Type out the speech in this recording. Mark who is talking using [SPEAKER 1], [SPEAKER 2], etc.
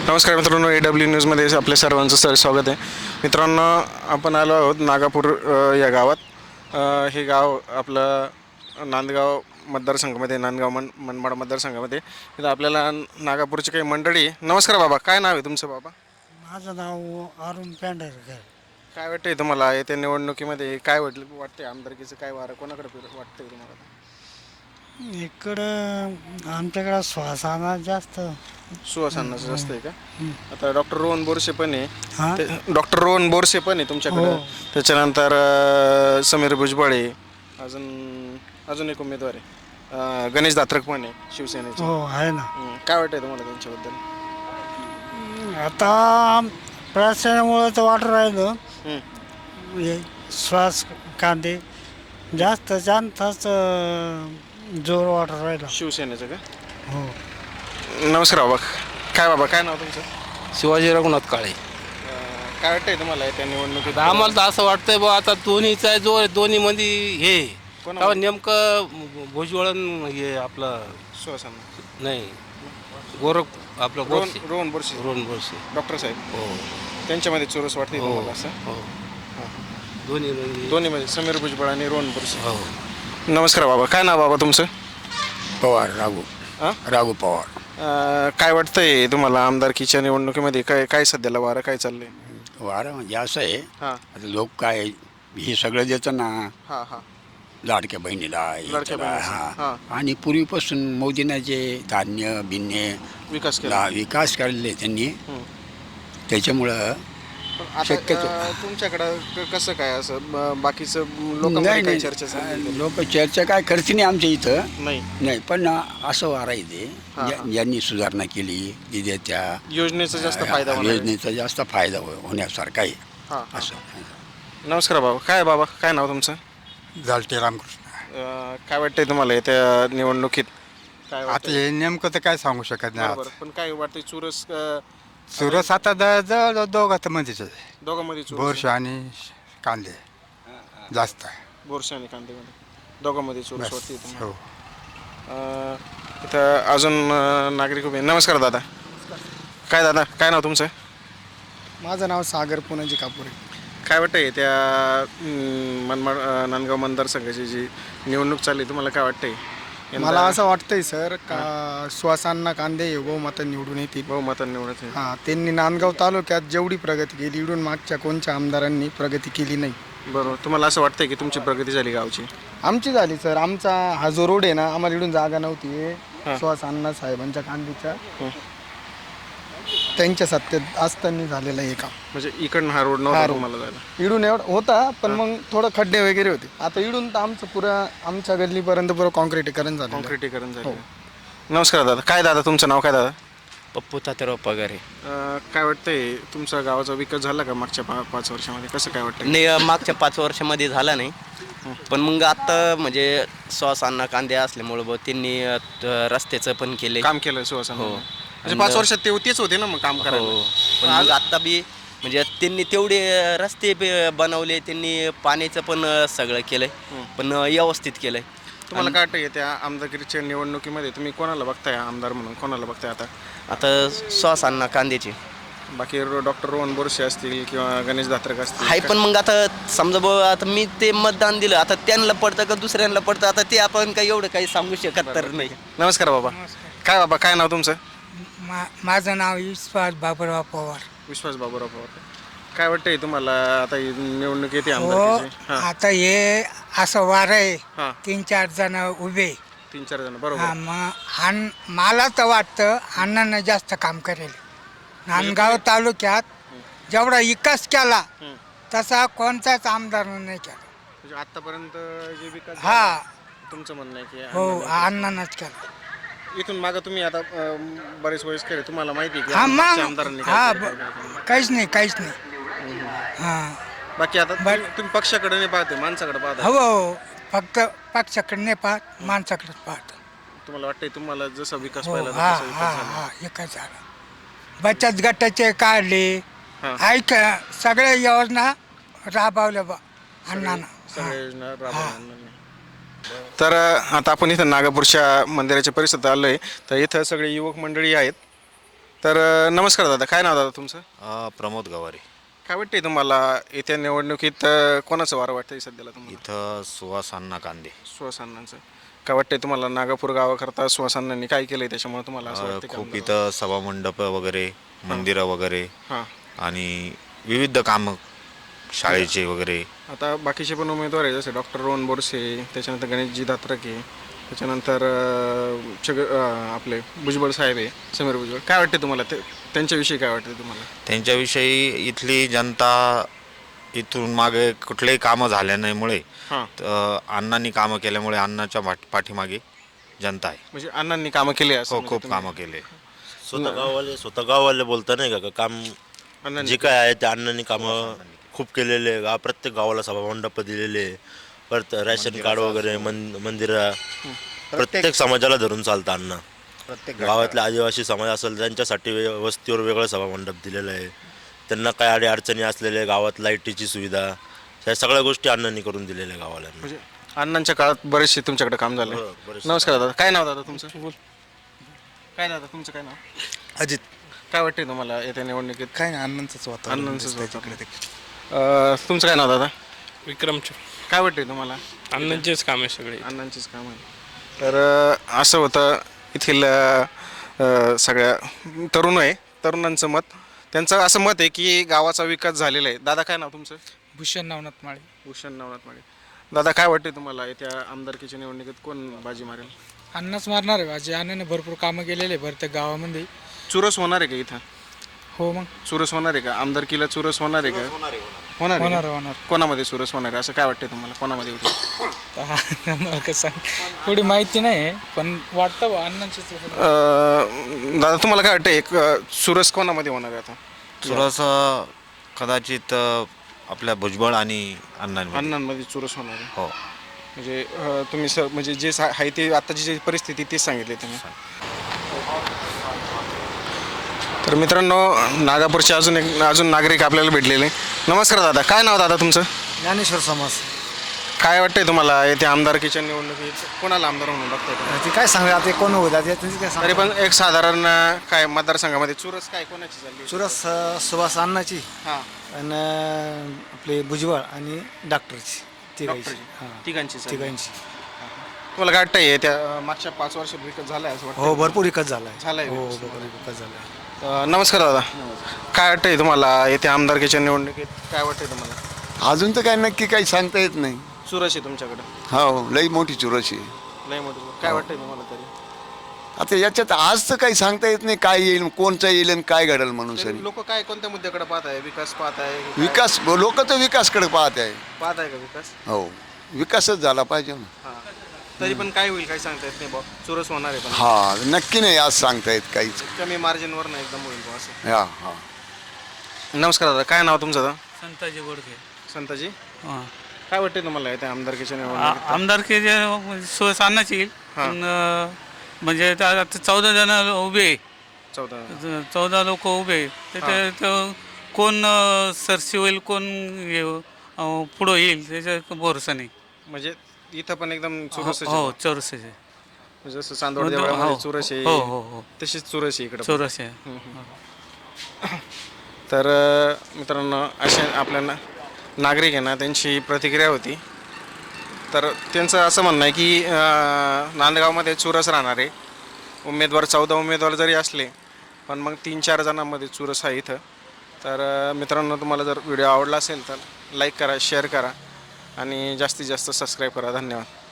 [SPEAKER 1] नमस्कार मित्रांनो, AW न्यूजमध्ये आपल्या सर्वांचं स्वागत आहे. मित्रांनो, आपण आलो आहोत नागापूर या गावात. हे गाव आपलं नांदगाव मतदारसंघामध्ये, नांदगाव मनमाड मतदारसंघामध्ये. इथं आपल्याला नागापूरची काही मंडळी. नमस्कार बाबा, काय नाव आहे तुमचं बाबा?
[SPEAKER 2] माझं नाव अरुण पेंढारकर.
[SPEAKER 1] काय वाटतंय तुम्हाला येत्या निवडणुकीमध्ये काय वाटतंय आमदारकीचं काय वारं कोणाकडे वाटतंय तुम्हाला?
[SPEAKER 2] इकडं आमच्याकडं श्वासाना जास्त.
[SPEAKER 1] सुहासांनाचं जास्त आहे का? आता डॉक्टर रोहन बोरसे पण आहे.
[SPEAKER 2] हां
[SPEAKER 1] डॉक्टर रोहन बोरसे पण आहे तुमच्याकडं. त्याच्यानंतर समीर भुजबळ आहे. अजून एक उमेदवार आहे, गणेश दात्रक पण आहे शिवसेनेचे.
[SPEAKER 2] हो आहे ना.
[SPEAKER 1] काय वाटतंय तुम्हाला त्यांच्याबद्दल?
[SPEAKER 2] आता प्रशासनामुळं तर वाटू राहिलं
[SPEAKER 1] हं.
[SPEAKER 2] हे श्वास कांदे जास्त जाणताच जोर वाटू राहिला.
[SPEAKER 1] शिवसेनेचं का?
[SPEAKER 2] हो.
[SPEAKER 1] नमस्कार बाबा, काय नाव तुमचं?
[SPEAKER 3] शिवाजी रघुनाथ काळे.
[SPEAKER 1] काय वाटतंय तुम्हाला त्या निवडणुकीत?
[SPEAKER 3] आम्हाला तर असं वाटतंय बा आता दोन्हीचा जोर दोन्ही मध्ये हे
[SPEAKER 1] कोणामध्ये?
[SPEAKER 3] तेव्हा नेमकं भुजवळन हे आपलं
[SPEAKER 1] सुहासांना.
[SPEAKER 3] नाही गोरख आपलं
[SPEAKER 1] रोहन बोरसे,
[SPEAKER 3] रोहन बोरसे.
[SPEAKER 1] डॉक्टर साहेब
[SPEAKER 3] हो
[SPEAKER 1] त्यांच्यामध्ये चुरस वाटते
[SPEAKER 3] हो
[SPEAKER 1] तुम्हाला असं?
[SPEAKER 3] हो दोन्ही म्हणजे
[SPEAKER 1] दोन्हीमध्ये समीर भुजबळ आणि रोहन बोरसे.
[SPEAKER 3] हो.
[SPEAKER 1] नमस्कार बाबा, काय नाव बाबा तुमचं?
[SPEAKER 4] पवार
[SPEAKER 1] हां?
[SPEAKER 4] राघू पवार.
[SPEAKER 1] काय वाटतंय तुम्हाला आमदारकीच्या निवडणुकीमध्ये काय सध्याला वारं काय चाललंय?
[SPEAKER 4] वारं म्हणजे असं आहे,
[SPEAKER 1] हां
[SPEAKER 4] आता लोक काय हे सगळं देतं ना,
[SPEAKER 1] हां हां
[SPEAKER 4] लाडक्या बहिणीला
[SPEAKER 1] लाडक्या
[SPEAKER 4] याच्याला,
[SPEAKER 1] बहिणीचं.
[SPEAKER 4] हां. आणि पूर्वीपासून मोदींना जे धान्य बिन्य
[SPEAKER 1] विकास केला.
[SPEAKER 4] विकास केलेले त्यांनी,
[SPEAKER 1] हं.
[SPEAKER 4] त्याच्यामुळं
[SPEAKER 1] पण आता
[SPEAKER 4] शक्यतो.
[SPEAKER 1] तुमच्याकडं कसं काय असं बाकीचं लोकांमध्ये काही चर्चा चालली?
[SPEAKER 4] लोक चर्चा काय करते नाही आमच्या इथं,
[SPEAKER 1] नाही.
[SPEAKER 4] नाही. पण असं वारा इथे
[SPEAKER 1] हां, हां.
[SPEAKER 4] ज्यांनी सुधारणा केली तिथे त्या
[SPEAKER 1] योजनेचा जास्त फायदा होणार आहे.
[SPEAKER 4] योजनेचा जास्त फायदा होण्यासारखा आहे
[SPEAKER 1] हां हां.
[SPEAKER 4] असं.
[SPEAKER 1] नमस्कार बाबा, काय नाव तुमचं?
[SPEAKER 5] झालटे रामकृष्ण.
[SPEAKER 1] काय वाटतंय तुम्हाला येत्या निवडणुकीत काय
[SPEAKER 5] आता
[SPEAKER 1] वाटतंय?
[SPEAKER 5] हे नेमकं तर काय सांगू शकत नाही
[SPEAKER 1] बरोबर.
[SPEAKER 5] आज.
[SPEAKER 1] पण काय वाटतंय चुरस
[SPEAKER 5] सुरस आता जवळ दोघात मध्येच आहे.
[SPEAKER 1] दोघांमध्ये चुरस
[SPEAKER 5] बोरशे आणि कांदे जास्त आहे.
[SPEAKER 1] बोरसे आणि कांदेमध्ये दोघांमध्ये चुरस
[SPEAKER 5] बस.
[SPEAKER 1] वाटते तुम्हाला?
[SPEAKER 5] हो.
[SPEAKER 1] इथं अजून नागरिक उभे. नमस्कार दादा, काय नाव तुमचं?
[SPEAKER 2] माझं नाव सागर पुनाजी कापुरे.
[SPEAKER 1] काय वाटतंय त्या मनमाड नांदगाव मतदारसंघाची जी निवडणूक चालली तुम्हाला काय वाटतंय?
[SPEAKER 2] मला असं वाटतंय सर का श्वासांना कांदे बहुमतं निवडून येतील.
[SPEAKER 1] बहुमताने निवडत आहे.
[SPEAKER 2] हां, त्यांनी नांदगाव तालुक्यात जेवढी प्रगती केली इकडून मागच्या कोणत्या आमदारांनी प्रगती केली नाही.
[SPEAKER 1] बरोबर. तुम्हाला असं वाटतंय की तुमची प्रगती झाली गावची?
[SPEAKER 2] आमची झाली सर. आमचा हा जो रोड आहे ना, आम्हाला इकडून जागा नव्हती. श्वास अण्णा साहेबांच्या कांदीच्या त्यांच्या सत्तेत असताना झालेलं आहे काम.
[SPEAKER 1] म्हणजे इकडनं हा रोड नव्हता
[SPEAKER 2] road.
[SPEAKER 1] तुम्हाला जायला?
[SPEAKER 2] इडून एवढा होता, पण मग थोडं खड्डे वगैरे होते. आता इडून तर आमचं पुरं आमच्या गल्लीपर्यंत पुरं कॉन्क्रीटीकरण झालं.
[SPEAKER 1] कॉन्क्रिटीकरण झालं. नमस्कार दादा, तुमचं नाव काय दादा?
[SPEAKER 3] पप्पू तात्याराव पगारे.
[SPEAKER 1] काय वाटतंय तुमचा गावाचा विकास झाला का मागच्या 5 वर्षामध्ये? कसं काय वाटतंय?
[SPEAKER 6] नाही, मागच्या 5 वर्षामध्ये झाला नाही. पण मग आता म्हणजे सॉस अण्णा कांदे असल्यामुळं त्यांनी रस्त्याचं पण केले.
[SPEAKER 1] काम केलं सुहासन?
[SPEAKER 6] हो.
[SPEAKER 1] म्हणजे 5 वर्षात तेच होते ना मग काम करायला.
[SPEAKER 6] हो. पण मग आता बी म्हणजे त्यांनी तेवढे रस्ते बनवले, त्यांनी पाण्याचं पण सगळं केलंय, पण व्यवस्थित केलंय.
[SPEAKER 1] तुम्हाला काय वाटतंय त्या आमदारकीच्या निवडणुकीमध्ये तुम्ही कोणाला बघताय आमदार म्हणून? कोणाला बघताय
[SPEAKER 6] आता सॉस अण्णा कांद्याचे
[SPEAKER 1] बाकी डॉक्टर रोहन बोरसे असतील किंवा गणेश दात्रक असतील?
[SPEAKER 6] आहे. पण मग आता समजा आता मी ते मतदान दिलं, आता त्यांना पडतं का दुसऱ्यांना पडतं, आता ते आपण काही एवढं काही सांगू शकत तर नाही.
[SPEAKER 1] नमस्कार बाबा, काय नाव तुमचं?
[SPEAKER 7] माझं नाव विश्वास बाबूराव पवार.
[SPEAKER 1] विश्वास बाबूराव पवार. काय वाटतंय तुम्हाला आता ही निवडणूक येते
[SPEAKER 7] हो,
[SPEAKER 1] आमदारकीची?
[SPEAKER 7] आता हे असं वार आहे,
[SPEAKER 1] हां.
[SPEAKER 7] 3-4 जण उभे.
[SPEAKER 1] 3-4 जण
[SPEAKER 7] हा,
[SPEAKER 1] बरोबर.
[SPEAKER 7] मग मला तर वाटतं अण्णांना जास्त काम करेल. नांदगाव तालुक्यात जेवढा विकास केला तसा कोणताच आमदारानं नाही केला.
[SPEAKER 1] म्हणजे आतापर्यंत जे विकास
[SPEAKER 7] हा.
[SPEAKER 1] झाला, तुमचं म्हणणं आहे की
[SPEAKER 7] हो,
[SPEAKER 1] अण्णांनी-
[SPEAKER 7] अण्णांनाच केला.
[SPEAKER 1] इथून मागं तुम्ही आता बरेच वयस्कर आहे, तुम्हाला माहिती आहे की
[SPEAKER 7] हा,
[SPEAKER 1] मागच्या
[SPEAKER 7] मग
[SPEAKER 1] आमदारांनी
[SPEAKER 7] हा,
[SPEAKER 1] काय केलं, काय केलं.
[SPEAKER 7] काहीच नाही. हां,
[SPEAKER 1] बाकी आता तुम्ही पक्षाकडे नाही पाहते, माणसाकडे पाहता.
[SPEAKER 7] हो, फक्त पक्षाकडे नाही पाहत, माणसाकडेच पाहत.
[SPEAKER 1] तुम्हाला वाटतंय तुम्हाला जसा विकास
[SPEAKER 7] हो,
[SPEAKER 1] पाहिला
[SPEAKER 7] हा
[SPEAKER 1] तसा विकास
[SPEAKER 7] हा
[SPEAKER 1] झाला?
[SPEAKER 7] हा एकच झाला. बचत गटाचे काढले,
[SPEAKER 1] हां.
[SPEAKER 7] ऐक सगळ्या योजना राबवल्या बा अण्णांना.
[SPEAKER 1] सगळ्या योजना राबवल्या. तर आता आपण इथं नागापूरच्या मंदिराच्या परिसरात आलोय. तर इथं सगळे युवक मंडळी आहेत. तर नमस्कार दादा, काय नाव दादा तुमचं?
[SPEAKER 8] प्रमोद गवारे.
[SPEAKER 1] काय वाटते तुम्हाला येत्या निवडणुकीत कोणाचं वारं वाटतंय सध्याला तुम्हाला?
[SPEAKER 8] इथं सुहास अण्णा कांदे.
[SPEAKER 1] सुहासांनांचं. काय वाटतंय तुम्हाला नागापूर गावाकरता सुहासांनांनी काय केलंय त्याच्यामुळे तुम्हाला असं वाटतं
[SPEAKER 8] खूप इथं सभामंडप वगैरे, मंदिरं वगैरे
[SPEAKER 1] हां.
[SPEAKER 8] आणि विविध कामं शाळेचे वगैरे.
[SPEAKER 1] आता बाकीचे पण उमेदवार आहे जसे डॉक्टर रोहन बोरसे, त्याच्यानंतर गणेशजी धात्रके, त्याच्यानंतर आपले भुजबळ साहेब आहे, समीर भुजबळ. काय वाटते तुम्हाला त्यांच्याविषयी काय वाटते तुम्हाला?
[SPEAKER 8] त्यांच्याविषयी इथली जनता इथून मागे कुठलेही कामं झाल्या नाहीमुळे
[SPEAKER 1] हां.
[SPEAKER 8] अण्णांनी कामं केल्यामुळे अण्णाच्या पाठीमागे जनता आहे.
[SPEAKER 1] म्हणजे अण्णांनी कामं केली असं
[SPEAKER 8] हो,
[SPEAKER 1] म्हणजे
[SPEAKER 8] खूप
[SPEAKER 1] तुम्ही-
[SPEAKER 8] कामं केले.
[SPEAKER 9] स्वतः गाववाले बोलता नाही का काम
[SPEAKER 1] अण्णांनी
[SPEAKER 9] जे काय आहे ते अण्णांनी कामं खूप केलेले आहे. प्रत्येक गावाला सभामंडप दिलेले आहे. परत रॅशन कार्ड वगैरे मंदिरं प्रत्येक समाजाला धरून चालतं अण्णा. गावातले आदिवासी समाज असेल त्यांच्यासाठी वस्तीवर वेगळं सभामंडप दिलेलं आहे. त्यांना काय अडचणी असलेल्या गावात लाईटीची सुविधा, ह्या सगळ्या गोष्टी अण्णांनी करून दिलेल्या आहे गावाला.
[SPEAKER 1] म्हणजे अण्णांच्या काळात बरेचसे तुमच्याकडे काम झाले.
[SPEAKER 9] हो, बरेचसे.
[SPEAKER 1] नमस्कार दादा, काय नाव दादा तुमचं? काय दादा तुमचं काय नाव?
[SPEAKER 2] अजित.
[SPEAKER 1] काय वाटते तुम्हाला येत्या निवडणुकीत?
[SPEAKER 2] काय नाही अण्णांचंच वातावरण
[SPEAKER 1] अण्णांचंच
[SPEAKER 2] दिसतंय
[SPEAKER 1] वातावरण.
[SPEAKER 2] तिकडे.
[SPEAKER 1] तुमचं काय नाव दादा?
[SPEAKER 3] विक्रमचे
[SPEAKER 1] काय वाटते तुम्हाला?
[SPEAKER 3] अण्णांचेच काम आहे सगळे.
[SPEAKER 1] अण्णांचीच काम आहे. तर असं होतं येथील सगळ्या तरुणांचं मत. त्यांचं असं मत आहे की गावाचा विकास झालेला आहे. दादा काय नाव तुमचं?
[SPEAKER 7] भूषण नवनाथ माळे.
[SPEAKER 1] भूषण नवनाथ माळे. दादा काय वाटते तुम्हाला येत्या आमदारकीच्या निवडणुकीत कोण बाजी मारेल?
[SPEAKER 7] अण्णाच मारणार आहे बाजी. अण्णाने भरपूर कामं केलेले प्रत्येक गावामध्ये.
[SPEAKER 1] चुरस होणार आहे का इथं?
[SPEAKER 7] हो मग
[SPEAKER 1] चुरस होणार आहे का? आमदारकीला चुरस होणार आहे का? होणार आहे का?
[SPEAKER 7] होणार.
[SPEAKER 1] कोणामध्ये चुरस होणार आहे असं काय वाटते तुम्हाला? कोणामध्ये होते?
[SPEAKER 7] मला कसं थोडी माहिती नाही पण वाटतं अण्णांचीच.
[SPEAKER 1] दादा तुम्हाला काय वाटतं एक चुरस कोणामध्ये होणार आहे आता?
[SPEAKER 8] चुरस कदाचित आपल्या भुजबळ आणि अण्णांमध्ये.
[SPEAKER 1] अण्णांमध्ये चुरस होणार आहे.
[SPEAKER 8] हो.
[SPEAKER 1] म्हणजे तुम्ही म्हणजे जे आहे ते आताची जी परिस्थिती तेच सांगितली तुम्ही. तर मित्रांनो, नागापूरचे अजून नागरिक आपल्याला भेटलेले. नमस्कार दादा, काय नाव दादा तुमचं?
[SPEAKER 2] ज्ञानेश्वर समाज.
[SPEAKER 1] काय वाटतंय तुम्हाला येत्या आमदारकीच्या निवडणुकीत कोणाला आमदार म्हणून बघताय तुम्ही?
[SPEAKER 2] ते काय सांगू आता कोण होता त्यांची काय
[SPEAKER 1] तरी पण एक साधारण काय मतदारसंघामध्ये चुरस काय कोणाची झाली?
[SPEAKER 2] सुरस सुभाष अण्णाची
[SPEAKER 1] हां.
[SPEAKER 2] आणि आपले भुजबळ आणि डॉक्टरची तिघांची.
[SPEAKER 1] तिघांची झाली.
[SPEAKER 2] तिघांची.
[SPEAKER 1] तुम्हाला काय वाटतंय त्या मागच्या 5 वर्षात विकास झालाय असं वाटतं?
[SPEAKER 2] हो भरपूर विकास झालाय.
[SPEAKER 1] झालाय
[SPEAKER 2] हो
[SPEAKER 1] विकास.
[SPEAKER 2] भरपूर विकास झालाय.
[SPEAKER 1] नमस्कार दादा, काय वाटतंय तुम्हाला येत्या आमदारकीच्या निवडणुकीत काय वाटतंय तुम्हाला?
[SPEAKER 10] अजून तर काय नक्की काही सांगता येत नाही.
[SPEAKER 1] चुरस आहे तुमच्याकडे?
[SPEAKER 10] हो लई मोठी चुरशी आहे.
[SPEAKER 1] नाही मोठं. काय वाटतंय तुम्हाला तरी?
[SPEAKER 10] आता याच्यात आज तर काही सांगता येत नाही काय येईल, कोणचा येईल आणि काय घडेल म्हणून सरी.
[SPEAKER 1] लोक काय कोणत्या मुद्द्याकडे पाहत आहे? विकास पाहत आहे?
[SPEAKER 10] विकास लोक तर विकासकडे पाहत आहे.
[SPEAKER 1] पाहत आहे का विकास?
[SPEAKER 10] हो विकासच झाला पाहिजे ना.
[SPEAKER 1] हां. तरी पण काय होईल काही सांगता येत नाही भाऊ. चुरस होणार आहे पण
[SPEAKER 10] हा नक्की नाही आज सांगता येत काहीच.
[SPEAKER 1] कमी मार्जिनवर नाही एकदम होईल भाऊ असं.
[SPEAKER 10] हा हा.
[SPEAKER 1] नमस्कार दादा, काय नाव तुमचं दादा?
[SPEAKER 3] संताजी गोडके.
[SPEAKER 1] संताजी, काय वाटते तुम्हाला येत्या आमदारकीच्या निवडणुकीत?
[SPEAKER 3] आमदारकी सुहास अण्णाची येईल. पण म्हणजे आता 14 जण उभे आहे. 14 लोक उभे आहे. त्याच्यात कोण सरशी होईल, कोण पुढं येईल त्याच्या भरोसा नाही.
[SPEAKER 1] म्हणजे इथं पण एकदम चुरस आहे.
[SPEAKER 3] हो चौरस आहे.
[SPEAKER 1] जसं चांदवड देवळामध्ये चुरस आहे,
[SPEAKER 3] हो हो हो
[SPEAKER 1] तशीच चुरस आहे इकडे.
[SPEAKER 3] चौरस आहे.
[SPEAKER 1] तर मित्रांनो, असे आपल्या नागरिक आहे ना त्यांची प्रतिक्रिया होती. तर त्यांचं असं म्हणणं आहे की नांदगावमध्ये चुरस राहणार आहे. 14 उमेदवार जरी असले पण मग 3-4 जणांमध्ये चुरस आहे इथं. तर मित्रांनो, तुम्हाला जर व्हिडिओ आवडला असेल तर लाईक करा, शेअर करा आणि जास्तीत जास्त सबस्क्राईब करा. धन्यवाद.